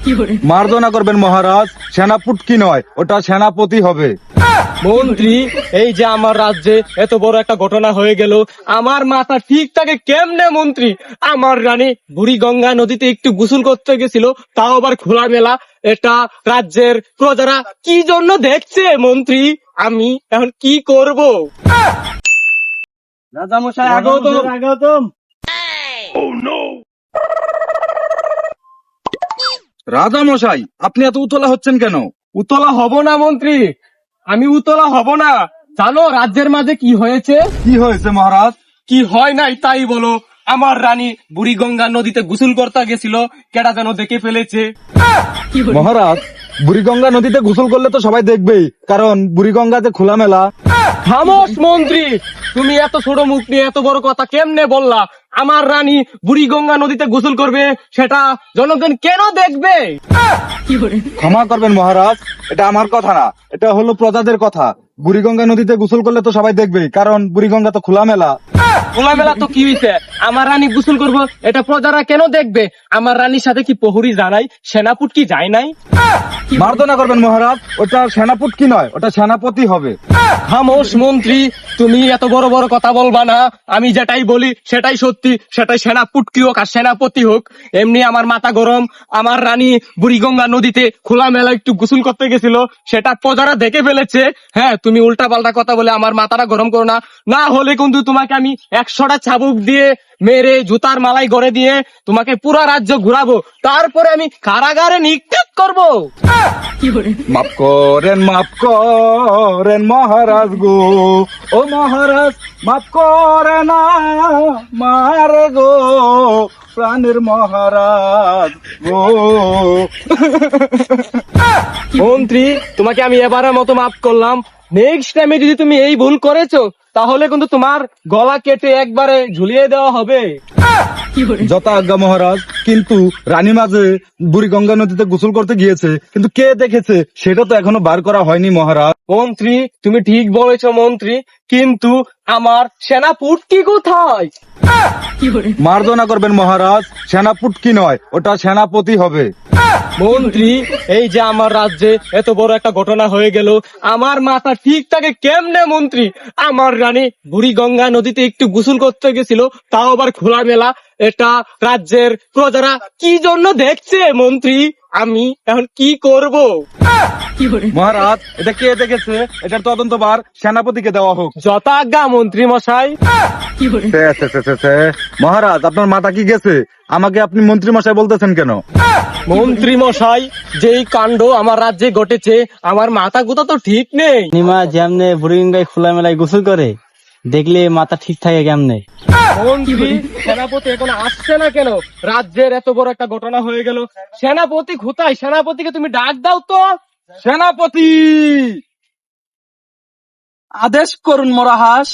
মার্জনা করবেন মহারাজ, সেনাপুটকি নয়, ওটা সেনাপতি হবে। মন্ত্রী, এই যে আমার রাজ্যে এত বড় একটা ঘটনা হয়ে গেল, আমার মাথা ঠিক থাকে কেমনে মন্ত্রী? আমার রানী বুড়িগঙ্গা নদীতে একটু গোসল করতে গেছিল, তাও আবার খোলামেলা। এটা রাজ্যের প্রজারা কি জন্য দেখছে মন্ত্রী? আমি এখন কি করব? রাজামশাই আগতম। রাজা মশাই, আপনি এত উতলা হচ্ছেন কেন? উতলা হব না মন্ত্রী, আমি উতলা হব না। জানো রাজ্যের মাঝে কি হয়েছে? কি হয়েছে মহারাজ? কি হয় নাই তাই বলো। আমার রানী বুড়িগঙ্গা নদীতে গোসল করতে গেছিল, কেডা যেন দেখে ফেলেছে। মহারাজ, বুড়িগঙ্গা নদীতে গোসল করলে তো সবাই দেখবেই, কারণ বুড়িগঙ্গাতে খোলামেলা। খামোশ মন্ত্রী, তুমি এত ছোট মুখ নিয়ে এত বড় কথা কেমনে বললা? আমার রানী বুড়িগঙ্গা নদীতে গোসল করবে, সেটা জনগণ কেন দেখবে? ক্ষমা করবেন মহারাজ, এটা আমার কথা না, এটা হলো প্রজাদের কথা। বুড়িগঙ্গা নদীতে গোসল করলে তো সবাই দেখবেই, কারণ বুড়িগঙ্গা তো খোলামেলা। খোলামেলা তো কি হয়েছে? আমার রানী গোসল করবো, এটা প্রজারা কেন দেখবে? আমার রানীর সাথে কি প্রহরী জানাই, সেনাপুট কি যায় নাই? মার্জনা করবেন মহারাজ, ওটা সেনাপুটকি নয়, ওটা সেনাপতি হবে। খামোশ মন্ত্রী, তুমি এত বড় বড় কথা বলবা না। আমি যেটাই বলি সেটাই সত্যি, সেটাই সেনাপুটকি হোক আর সেনাপতি হোক। এমনি আমার মাথা গরম। আমার রানী বুড়িগঙ্গা নদীতে খোলামেলা একটু গোসল করতে গেছিল, সেটা প্রজারা দেখে ফেলেছে। হ্যাঁ, তুমি উল্টা পাল্টা কথা বলে আমার মাথাটা গরম করো না। না হলে কিন্তু তোমাকে আমি 100টা চাবুক দিয়ে মেরে জুতার মালাই গড়ে দিয়ে তোমাকে পুরা রাজ্য ঘুরাবো, তারপরে আমি কারাগারে নিক্ষেপ করবো। মাফ করেন মহারাজ গো, ও মহারাজ মাফ করে না মারে গো, প্রাণের মহারাজ গো। মন্ত্রী, তোমাকে আমি এবারের মতো মাফ করলাম। নেক্সট টাইমে যদি তুমি এই ভুল করেছো, তাহলে কিন্তু তোমার গলা কেটে একবারে ঝুলিয়ে দেওয়া হবে। যথা আজ্ঞা মহারাজ। কিন্তু রানী মাঝে বুড়িগঙ্গা নদীতে গোসল করতে গিয়েছে, কিন্তু কে দেখেছে সেটা তো এখনো বার করা হয়নি মহারাজ। মন্ত্রী, তুমি ঠিক বলেছো মন্ত্রী, কিন্তু আমার সেনাপুটকি কোথায়? মার্জনা করবেন মহারাজ, সেনাপুটকি নয়, ওটা সেনাপতি হবে। মন্ত্রী, এই যে আমার রাজ্যে এত বড় একটা ঘটনা হয়ে গেল, আমার মাথা ঠিক থাকে কেমনে মন্ত্রী? আমার রানী বুড়িগঙ্গা নদীতে একটু গোসল করতে গেছিল, তাও আবার খোলামেলা। এটা রাজ্যের প্রজারা কি জন্য দেখছে মন্ত্রী? আমি এখন কি করব? মহারাজ, এটা কে দেখেছে এটার তদন্তভার সেনাপতিকে দেওয়া হোক। যথাজ্ঞা মন্ত্রী মশাই। মহারাজ, আপনার মাথা কি গেছে? আমাকে আপনি মন্ত্রী মশাই বলতেছেন কেন? মন্ত্রী মশাই, যেই কাণ্ড আমার রাজ্যে ঘটেছে, আমার মাথা গুতা তো ঠিক নেই। নিমা যেমনে বুড়িগঙ্গায় খোলামেলায় গোসল করে, দেখলে মাথা ঠিক থাকে কেমনে? মন্ত্রী, সেনাপতি এখন আসছে না কেন? রাজ্যের এত বড় একটা ঘটনা হয়ে গেল, সেনাপতি কোথায়? সেনাপতিকে তুমি ডাক দাও তো। সেনাপতি, আদেশ করুন মহারাজ।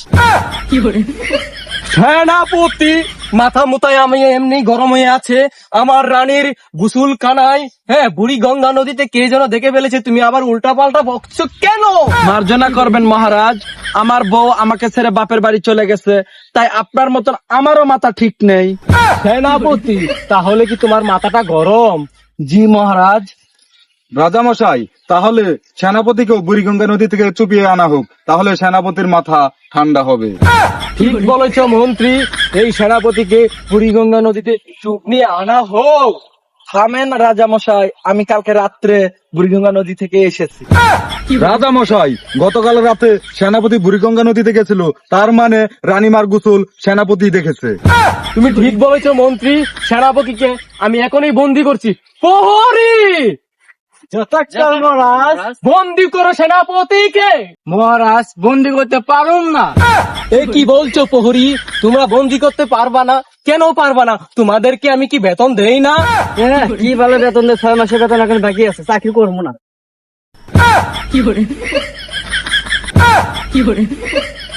সেনাপতি, মাথা মুতায় আমি এমনি গরম হয়ে আছে। আমার রানীর গোসল কানায়, হ্যাঁ, বুড়ি গঙ্গা নদীতে কে যেন দেখে ফেলেছে, তুমি আবার উল্টা পাল্টা বকছো কেন? মার্জনা করবেন মহারাজ, আমার বউ আমাকে ছেড়ে বাপের বাড়ি চলে গেছে, তাই আপনার মতন আমারও মাথা ঠিক নেই। সেনাপতি, তাহলে কি তোমার মাথাটা গরম? জি মহারাজ। রাজা মশাই, তাহলে সেনাপতিকেও বুড়িগঙ্গা নদী থেকে চুপিয়ে আনা হোক, তাহলে সেনাপতির মাথা ঠান্ডা হবে। ঠিক বলেছ মন্ত্রী, এই সেনাপতিকে বুড়িগঙ্গা নদীতে চুপ নিয়ে আনা হোক। থামেন রাজা মশাই, আমি কালকে রাত্রে বুড়িগঙ্গা নদী থেকে এসেছি। রাজা মশাই, গতকাল রাতে সেনাপতি বুড়িগঙ্গা নদীতে গেছিল, তার মানে রানীমার গোসল সেনাপতি দেখেছে। তুমি ঠিক বলেছ মন্ত্রী, সেনাপতিকে আমি এখনই বন্দি করছি। প্রহরী, মহারাজ, বন্দি করো সেনাপতিকে। মহারাজ বন্দি করতে পারুন না। এ কি বলছো প্রহরী? তোমরা বন্দি করতে পারবা না? কেন পারবা না? তোমাদেরকে আমি কি বেতন দেই না? কি ভালো বেতন দেয়, 6 মাসের বেতন এখন বাকি আছে, চাকরি করবো না।